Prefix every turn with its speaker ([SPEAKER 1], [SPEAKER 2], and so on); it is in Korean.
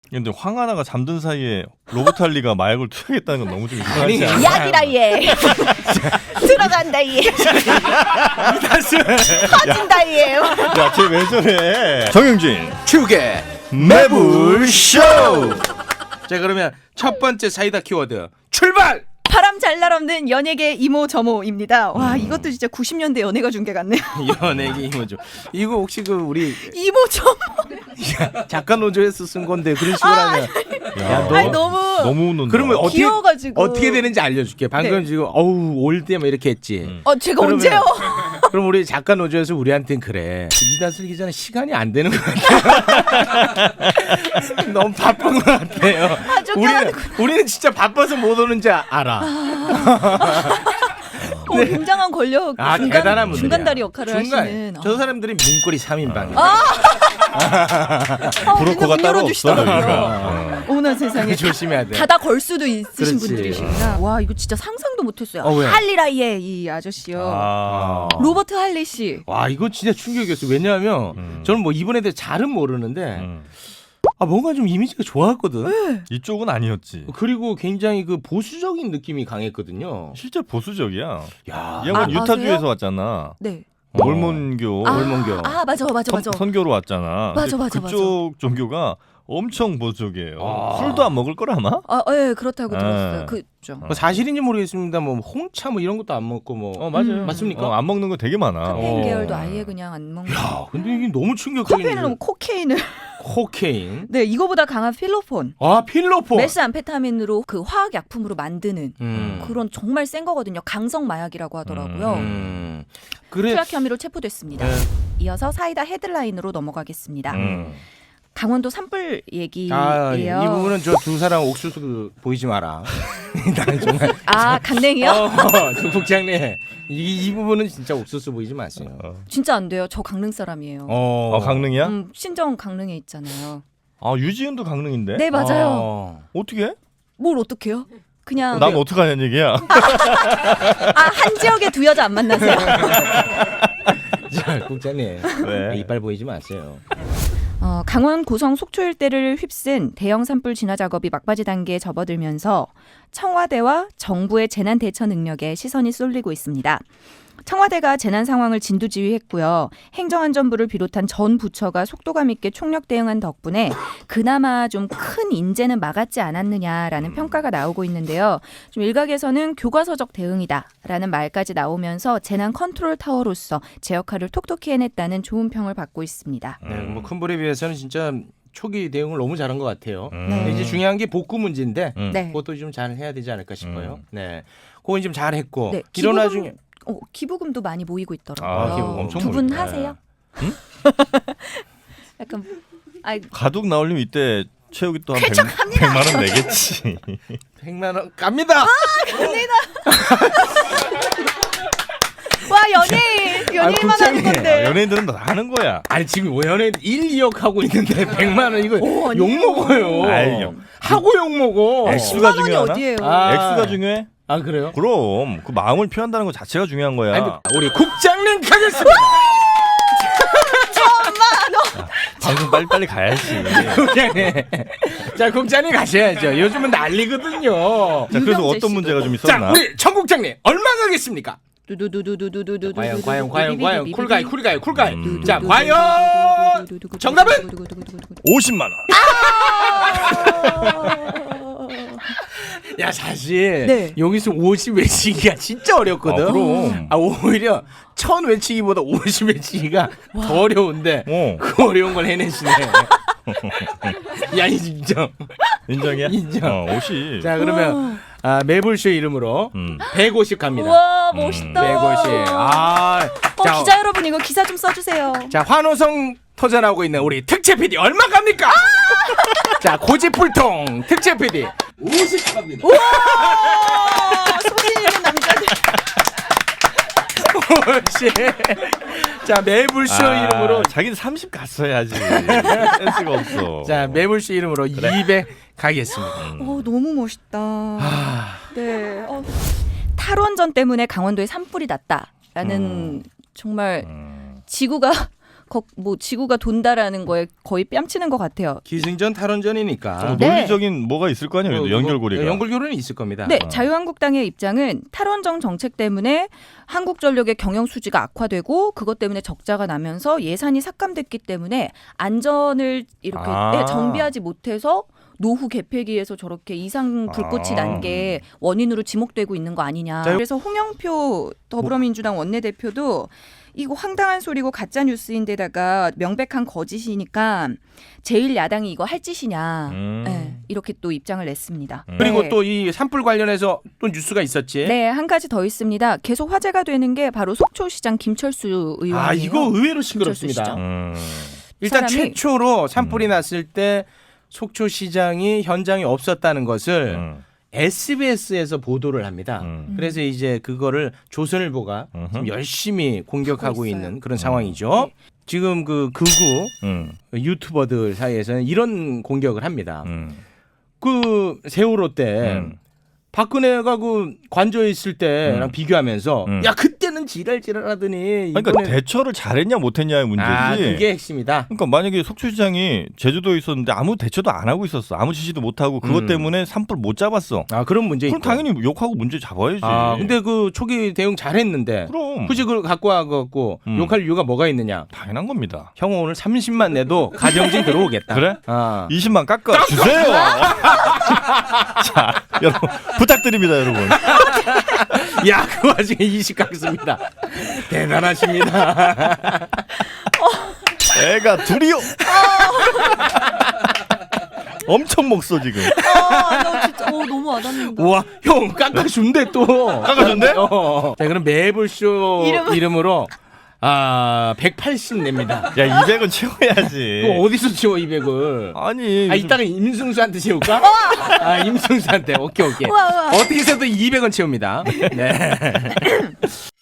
[SPEAKER 1] 근데 황하나가 잠든 사이에 로버트 할리가 마약을 투여했다는 건 너무 좀 이상하지 않아?
[SPEAKER 2] 약이라 얘. 들어간다 얘. 터진다 얘.
[SPEAKER 1] 야, 쟤 왜 저래? 정영진
[SPEAKER 3] 축의
[SPEAKER 1] 매불쇼.
[SPEAKER 3] 자, 그러면 첫 번째 사이다 키워드 출발!
[SPEAKER 2] 바람 잘 날 없는 연예계 이모 저모입니다. 와, 이것도 진짜 90년대 연예가 중계 같네요.
[SPEAKER 3] 연예계 이모죠. 이거 혹시 그 우리
[SPEAKER 2] 이모 저모.
[SPEAKER 3] 작가 노조에서 쓴 건데 그런 식으로 하면
[SPEAKER 1] 야,
[SPEAKER 2] 아니 너무
[SPEAKER 1] 웃는다.
[SPEAKER 3] 그러면 어떻게
[SPEAKER 2] 귀여워가지고.
[SPEAKER 3] 어떻게 되는지 알려줄게. 방금
[SPEAKER 2] 네.
[SPEAKER 3] 지금 어우 올 때 막 이렇게 했지.
[SPEAKER 2] 제가
[SPEAKER 3] 그러면-
[SPEAKER 2] 언제요?
[SPEAKER 3] 그럼 우리 작가 노조에서 우리한테는 그래. 이다슬 기자는 시간이 안 되는 것 같아요. 너무 바쁜 것 같아요. 우리는 진짜 바빠서 못 오는지 알아.
[SPEAKER 2] 굉장한 권력
[SPEAKER 3] 대단한 분들이야.
[SPEAKER 2] 중간다리 역할을 하시는.
[SPEAKER 3] 저 사람들이 문고리 3인방이야.
[SPEAKER 1] 브로커가 따로 없어.
[SPEAKER 2] 어머나 세상에.
[SPEAKER 3] 조심해야 돼.
[SPEAKER 2] 닫아 걸 수도 있으신
[SPEAKER 3] 그렇지.
[SPEAKER 2] 분들이시구나. 와, 이거 진짜 상상도 못했어요.
[SPEAKER 3] 왜?
[SPEAKER 2] 할리라이의 이 아저씨요. 로버트 할리 씨.
[SPEAKER 3] 와, 이거 진짜 충격이었어요. 왜냐하면 저는 뭐 이분에 대해 잘은 모르는데 뭔가 좀 이미지가 좋았거든.
[SPEAKER 1] 이쪽은 아니었지.
[SPEAKER 3] 그리고 굉장히 그 보수적인 느낌이 강했거든요.
[SPEAKER 1] 실제 보수적이야.
[SPEAKER 3] 야,
[SPEAKER 1] 이 양반 유타주에서
[SPEAKER 2] 아세요?
[SPEAKER 1] 왔잖아.
[SPEAKER 2] 네.
[SPEAKER 1] 몰몬교.
[SPEAKER 3] 몰몬교.
[SPEAKER 2] 맞아.
[SPEAKER 1] 선교로 왔잖아.
[SPEAKER 2] 맞아.
[SPEAKER 1] 그쪽 종교가 엄청 보수적이에요.
[SPEAKER 3] 아.
[SPEAKER 1] 술도 안 먹을 걸 아마?
[SPEAKER 2] 예, 그렇다고 들었어요. 그죠.
[SPEAKER 3] 뭐 사실인지 모르겠습니다. 뭐 홍차 뭐 이런 것도 안 먹고 뭐.
[SPEAKER 1] 맞아요.
[SPEAKER 3] 맞습니까?
[SPEAKER 1] 안 먹는 거 되게 많아.
[SPEAKER 2] 카페인 계열도 아예 그냥 안 먹는.
[SPEAKER 3] 야, 근데 이게 너무 충격적인.
[SPEAKER 2] 커피는 너무 코케인을.
[SPEAKER 3] 코케인.
[SPEAKER 2] 네, 이거보다 강한 필로폰.
[SPEAKER 3] 필로폰.
[SPEAKER 2] 메스암페타민으로 그 화학 약품으로 만드는 그런 정말 센 거거든요. 강성 마약이라고 하더라고요.
[SPEAKER 3] 그래.
[SPEAKER 2] 투약 혐의로 체포됐습니다.
[SPEAKER 3] 네.
[SPEAKER 2] 이어서 사이다 헤드라인으로 넘어가겠습니다. 강원도 산불 얘기예요.
[SPEAKER 3] 이 부분은 저 두 사람 옥수수 보이지 마라. 나는 정말.
[SPEAKER 2] 강냉이요?
[SPEAKER 3] 조 국장님, 이 부분은 진짜 옥수수 보이지 마세요.
[SPEAKER 2] 진짜 안 돼요. 저 강릉 사람이에요.
[SPEAKER 1] 강릉이야?
[SPEAKER 2] 신정 강릉에 있잖아요.
[SPEAKER 1] 유지은도 강릉인데?
[SPEAKER 2] 네, 맞아요.
[SPEAKER 1] 어떻게?
[SPEAKER 2] 뭘 어떡해요? 그냥
[SPEAKER 1] 남 어떡하냐는 얘기야.
[SPEAKER 2] 한 지역에 두 여자 안 만나세요?
[SPEAKER 3] 자, 국장님,
[SPEAKER 1] 네.
[SPEAKER 3] 이빨 보이지 마세요.
[SPEAKER 2] 강원 고성 속초 일대를 휩쓴 대형 산불 진화 작업이 막바지 단계에 접어들면서 청와대와 정부의 재난 대처 능력에 시선이 쏠리고 있습니다. 청와대가 재난 상황을 진두지휘했고요. 행정안전부를 비롯한 전 부처가 속도감 있게 총력 대응한 덕분에 그나마 좀 큰 인재는 막았지 않았느냐라는 평가가 나오고 있는데요. 좀 일각에서는 교과서적 대응이다라는 말까지 나오면서 재난 컨트롤 타워로서 제 역할을 톡톡히 해냈다는 좋은 평을 받고 있습니다.
[SPEAKER 3] 네, 뭐 큰 불에 비해서는 진짜 초기 대응을 너무 잘한 것 같아요.
[SPEAKER 2] 네.
[SPEAKER 3] 이제 중요한 게 복구 문제인데
[SPEAKER 2] 네.
[SPEAKER 3] 그것도 좀 잘 해야 되지 않을까 싶어요. 네, 그건 좀 잘했고
[SPEAKER 2] 네,
[SPEAKER 3] 일어나 중에
[SPEAKER 2] 기부금도 많이 모이고 있더라고요.
[SPEAKER 1] 기부금 엄청
[SPEAKER 2] 두 분
[SPEAKER 1] 모이네.
[SPEAKER 2] 하세요? 약간
[SPEAKER 1] 가둑 나올리면 이때 최욱이 또 한 100만 원 내겠지.
[SPEAKER 3] 100만 원 갑니다.
[SPEAKER 2] 와, 연예인만 하는 건데.
[SPEAKER 1] 연예인들은 다 하는 거야.
[SPEAKER 3] 아니 지금 연예인 1, 2억 하고 있는데 100만 원 이거 욕 먹어요.
[SPEAKER 1] 아니요.
[SPEAKER 3] 하고 욕 먹어.
[SPEAKER 1] 액수가
[SPEAKER 2] 10만 원이
[SPEAKER 1] 중요하나?
[SPEAKER 2] 어디예요?
[SPEAKER 1] 액수가 중요해?
[SPEAKER 3] 그래요?
[SPEAKER 1] 그럼 그 마음을 표현한다는 것 자체가 중요한 거야.
[SPEAKER 3] 아니, 우리 국장님 가겠습니다.
[SPEAKER 1] 방송 빨리빨리 가야지.
[SPEAKER 3] 국장님. 자, 국장님 가셔야죠. 요즘은 난리거든요.
[SPEAKER 1] 자, 그래서
[SPEAKER 2] 유병재
[SPEAKER 1] 어떤 문제가 좀
[SPEAKER 3] 자,
[SPEAKER 1] 있었나?
[SPEAKER 3] 우리 청 국장님 얼마 가겠습니까?
[SPEAKER 2] 두두두두두두두두두.
[SPEAKER 3] 과연 쿨가이. 자, 과연 정답은
[SPEAKER 1] 50만 원.
[SPEAKER 3] 야, 사실
[SPEAKER 2] 네.
[SPEAKER 3] 여기서 50 외치기가 진짜 어렵거든.
[SPEAKER 1] 그럼.
[SPEAKER 3] 오히려 1000 외치기보다 50 외치기가 더 어려운데 그 어려운 걸 해내시네. 야, 인정.
[SPEAKER 1] 인정이야?
[SPEAKER 3] 인정.
[SPEAKER 1] 50.
[SPEAKER 3] 자, 그러면 매불쇼 이름으로 150 갑니다.
[SPEAKER 2] 우와, 멋있다.
[SPEAKER 3] 150.
[SPEAKER 2] 기자 여러분, 이거 기사 좀 써주세요.
[SPEAKER 3] 자, 환호성 터져나오고 있는 우리 특채 PD 얼마 갑니까? 자, 고집불통 특채 PD 50 갑니다.
[SPEAKER 2] 우와, 소신 있는 남자들.
[SPEAKER 3] 자, 매불쇼 이름으로
[SPEAKER 1] 자기는 30 갔어야지. 센스가 없어.
[SPEAKER 3] 자, 매불쇼 이름으로 200 가겠습니다.
[SPEAKER 2] 너무 멋있다. 네. 탈원전 때문에 강원도에 산불이 났다라는 정말 지구가 뭐 지구가 돈다라는 거에 거의 뺨치는 것 같아요.
[SPEAKER 3] 기승전 탈원전이니까.
[SPEAKER 2] 네.
[SPEAKER 1] 논리적인 뭐가 있을 거 아니에요. 연결고리가.
[SPEAKER 3] 연결고리는 있을 겁니다.
[SPEAKER 2] 네, 자유한국당의 입장은 탈원전 정책 때문에 한국전력의 경영 수지가 악화되고 그것 때문에 적자가 나면서 예산이 삭감됐기 때문에 안전을 이렇게 정비하지 못해서 노후 개폐기에서 저렇게 이상 불꽃이 난 게 원인으로 지목되고 있는 거 아니냐. 그래서 홍영표 더불어민주당 원내대표도 이거 황당한 소리고 가짜 뉴스인데다가 명백한 거짓이니까 제1야당이 이거 할 짓이냐. 네, 이렇게 또 입장을 냈습니다.
[SPEAKER 3] 그리고
[SPEAKER 2] 네.
[SPEAKER 3] 또 이 산불 관련해서 또 뉴스가 있었지.
[SPEAKER 2] 네, 한 가지 더 있습니다. 계속 화제가 되는 게 바로 속초시장 김철수 의원이에요.
[SPEAKER 3] 아, 이거 의외로 싱그럽습니다. 일단 최초로 산불이 났을 때 속초시장이 현장에 없었다는 것을 SBS에서 보도를 합니다. 그래서 이제 그거를 조선일보가 지금 열심히 공격하고 있는 그런 상황이죠.
[SPEAKER 2] 네.
[SPEAKER 3] 지금 그 극우 유튜버들 사이에서는 이런 공격을 합니다. 그 세월호 때 박근혜가 그 관저에 있을 때랑 비교하면서 야 그때는 지랄하더니
[SPEAKER 1] 그러니까
[SPEAKER 3] 이번엔
[SPEAKER 1] 대처를 잘했냐 못했냐의 문제지.
[SPEAKER 3] 아, 그게 핵심이다.
[SPEAKER 1] 그러니까 만약에 속초시장이 제주도에 있었는데 아무 대처도 안 하고 있었어. 아무 지시도 못 하고 그것 때문에 산불 못 잡았어.
[SPEAKER 3] 아 그런 문제
[SPEAKER 1] 그럼
[SPEAKER 3] 있고.
[SPEAKER 1] 당연히 욕하고 문제 잡아야지.
[SPEAKER 3] 아 근데 그 초기 대응 잘했는데
[SPEAKER 1] 그럼
[SPEAKER 3] 굳이 그걸 갖고 와갖고 욕할 이유가 뭐가 있느냐.
[SPEAKER 1] 당연한 겁니다.
[SPEAKER 3] 형 오늘 30만 내도 가정진 들어오겠다.
[SPEAKER 1] 그래?
[SPEAKER 3] 아.
[SPEAKER 1] 20만 깎아 주세요. 자, 여러분 부탁드립니다, 여러분.
[SPEAKER 3] 야, 그 와중에 20 깎습니다. 대단하십니다.
[SPEAKER 1] 애가 둘이요. 엄청 먹소 지금.
[SPEAKER 2] 나 진짜 너무 와닿는다.
[SPEAKER 3] 우와, 형 깎아준대 또.
[SPEAKER 1] 깎아준대?
[SPEAKER 3] 자, 그럼 매불쇼 이름으로 180 냅니다.
[SPEAKER 1] 야, 200은 채워야지.
[SPEAKER 3] 그거 어디서 채워 200을?
[SPEAKER 1] 아니.
[SPEAKER 3] 아, 이따가 임승수한테 채울까? 아, 임승수한테. 오케이.
[SPEAKER 2] 우와.
[SPEAKER 3] 어떻게 해서든 200원 채웁니다. 네.